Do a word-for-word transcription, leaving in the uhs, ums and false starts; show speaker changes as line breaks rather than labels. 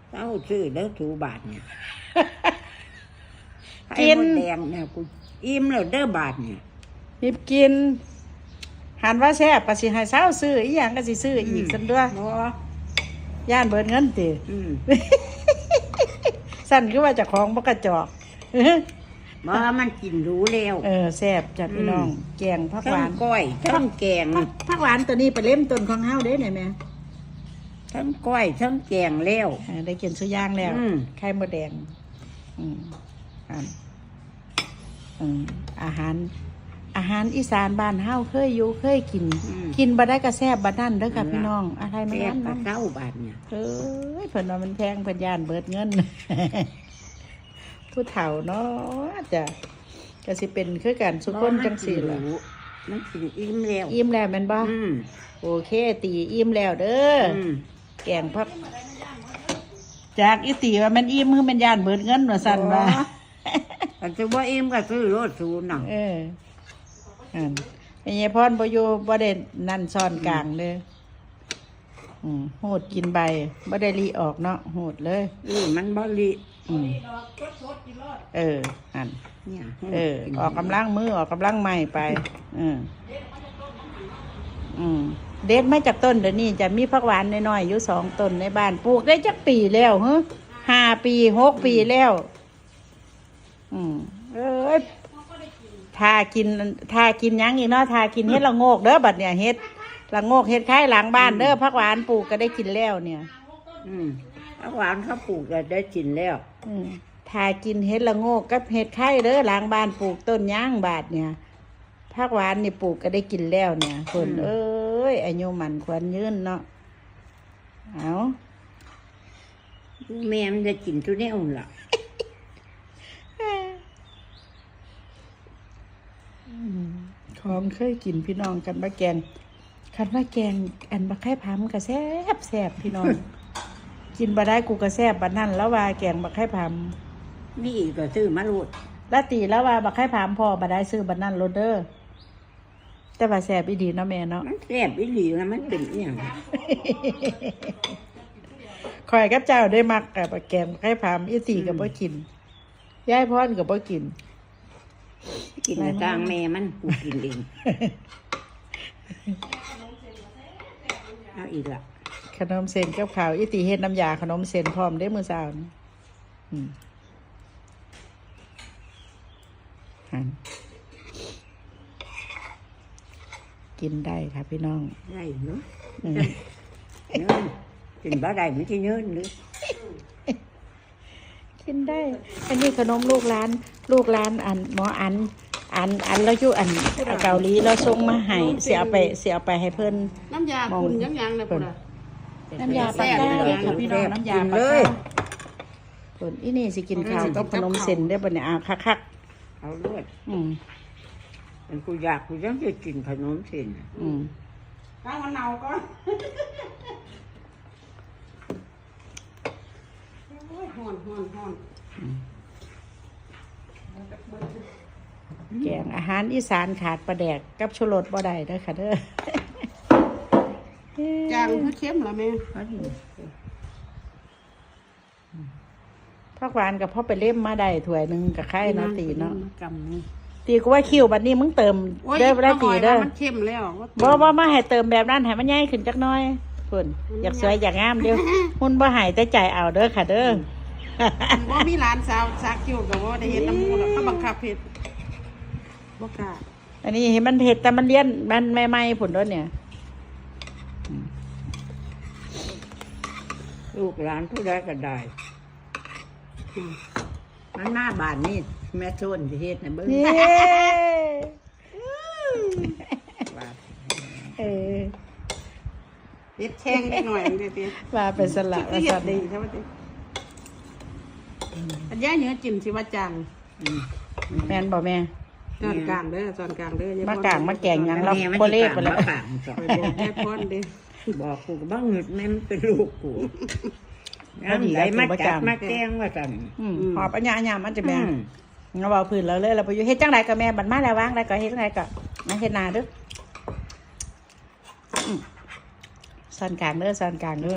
เต้าซื้อแล้วถูบาทเนี่ย
กิน
ไอ้มดแดงเนี่ยกูอิ่มแล้วเด้อบาทเนี่ย
รีบกินหันว่าแซ่บก็สิให้เช้าซื้ออีหยังก็สิซื้ออีกซั่นด้วย
บ่
ย่านเบิดเงินติ
อืม
สั่นคือว่าเจ้าของบ่กระจอก
บ่มันกินรู้แล้ว
เออแซ่บจ้ะพี่น้อง แกงผักห
ทั้
วาง น
ก้อยทั้งแกง
ผักหวานตัวนี้ไปเล่มต้นของเฮาเด้ไหนแม่
ทั้งก้อยทั้งแกงแล้ว
เออได้กินสุย่างแล้ว
อืม
ไข่มดแดง อืมอันอืมอาหาร อาหารอีสานบ้านเฮาเคยอยู่เคยกิน
อืม
กินบ่ได้ก็แซ่บบ่นั่นเด้อค่ะพี่น้อง อะไรไม่
แซ่บ
นั้น
กระ
นั่น
เต้าบาทเนี่ย
เอ้ยเพิ่นว่ามันแพงเพิ่นย่านเบิดเงิน ผู้เฒ่าเนาะจ้ะก็สิเป็นคือกันสุคนจังสี่ล่ะ
มันกินอิ่มแล้ว
อิ่มแล้วแม่นบ่
อืม
โอเค ตีอิ่มแล้วเด้ออ
อืม
แกงผักจากอีตีว่ามันอิ่มคือมันย่านเบิดเงินว่าซั่นว่า
แต่จะว่าอิ่มก็ซื้อรถสูนน่ะ
เอออันไอ้ยายพรบ่อยู่บ่ได้นั่นซ่อนกลางเด้ออืมโหดกินใบบ่ได้ลีออกเนาะโหดเลย
อืมมันบ่ลิ
อืมเอออัน
เนี่ย
เออ ออกกำลังมือออกกำลังใหม่ไปอืมอืมเด็ดมาจากต้นเดี๋ยวนี้จะมีผักหวานน้อยๆอยู่สองต้นในบ้านปลูกได้จักปีแล้วฮะห้าปีหกปีแล้ว อืมเอ้ยทากินทากินหยังอีกเนาะทากินเฮ็ดละโงกเด้อบัดเนี่ยเฮ็ดละโงกเฮ็ดคล้ายหลังบ้านเด้อผักหวานปลูกก็ได้กินแล้วเนี่ย
อืมผักหวานเขาปลูกก็ได้กินแล้ว
อืมทากินเฮ็ดละโงกกับเฮ็ดไข่เด้อหลังบ้านปลูกต้นย่างบาทเนี่ยผักหวานนี่ปลูกก็ได้กินแล้วเนี่ยคนเอ้ยอายุมันควรยืนเนาะเอา
แม่มันจะกินทุเรียนล่ะ
ของเคยกินพี่น้องกันบะแกงคันว่าแกงอันบะไข่พามก็แซ่บแซ่บพี่น้อง กินบะได้กูก็แซ่บบัดนั่นแล้วว่าแกงบะไข่พาม
นี่อีกก็ซื้อมาโลด
แล้วตีแล้วว่าบะไข่พามพอบะได้ซื้อบัดนั่นโรเดอร์แต่ว่าแซ่บอีดีเนาะแม่เนาะ
มันแซ่บอีหลีนะมันเป็นอหย่าง
คอยกับเจ้าได้มักกับบะแกงบะไข่พามอีตีกับบ่กินยายพรกับบ่กิน
กินกลางแม่มันกูกินเองเอาอีกละ
ขนมเส้นกับข้าวอีตีเฮ็ดน้ำยาขนมเส้นพร้อมได้มื้อเช้านี่อืมหั่นกินได้ค่ะพี่น้อง
ได้เนาะ
อืม
เนื้อกินบ่ได้ไม่ใช่เนื้อหรือ
กินได้ อันนี้ขนมลูกร้าน ลูกร้านอันหมออัน อันอันแล้วอยู่อันเกาหลีแล้วส่งมาให้เสียเอาไปเสียเอาไปให้เพิ่น
น้ำยาคุณยังยังเลยพุ่นอ่ะ
น้ำยาปลาแก้วค่ะพี่น้องน้ำยาปลาแก้วเพิ่นอีนี่สิกินข้าวกับขนมเส้นได้บ่เนี่ยอ่ะคัก
เอาลวด
ๆอืม
มันกูอยากกูยังจะกินขนมเส้น
อืม
ข้างมันเน่าก่อนโอ้ยฮ้อนฮ้อนฮ้อน
แกงอาหารอีสานขาดปลาแดกกับชูรสบ่ได้เด้อค่ะเด้อ
จางคือเข้มเหรอแม่
เขาดี
ผักหวานกับพ่อไปเล่มมาได้ถ้วยหนึงกับไข่เนาะตีเนาะ
กำนี่
ตีก็ว่าคิวบัดนี้มึงเติม
โอ้ย
เด้อบ่ได้ตีเด้อ
มันเข้มแล้ว
บ่บ่มาให้เติมแบบนั้นให้มันใหญ่ขึ้นจักหน่อยเพิ่นอยากสวยอยากงามเด้อหุ่นบ่ให้แต่ใจเอาเด้อค่ะเด้อ
ว่ามีร้านสาวซักอยู่กับว่าได้เห็นน้ำมูกเขาบังคับเห็ดบ่กล้า
อันนี้เห็นมันเผ็ดแต่มันเลี้ยนมันใหม่ๆผลด้วยเนี่ย
ลูกหลานผู้ใดก็ได้มันหน้าบ้านนี่แม่ส้นที่เฮ็ดนะเบิ้ง
เย้
ว่า
เออ
เห็ดแช่งได้หน่อยเด็ดเด็ด
ว่าเป็นสละ
คื
ว่า
อเห็
สั
ด
น
ดีใช่ไหมติอันย่าเนื้อจิ้มสิว่าจัง
อืม
แม่นบอกแม่
จอนกลางเด้อจอนกลางเด้อ
มากลางมาแกงหยังเรา
แม่มัน
โคเล่ไปแล้ว
สิกางมาสอน
ไปบอกแม่พ่อนเด้อ
บอกกูก็บ้างหงุดแม่มันเป็นลูกกูน้ำไหลมาจับมาแกงว่าสั่น
อืมหอบอัญญาอัญญามันจะแม่
อืม
เราบอกพื้นเราเลยเราไปอยู่เฮ็ดจังไรกับแม่บัดมาแล้ววางได้ก็เฮ็ดจังไรก็มาเฮ็ดนาเด้ออืมสันกลางเด้อสันกลางเด้อ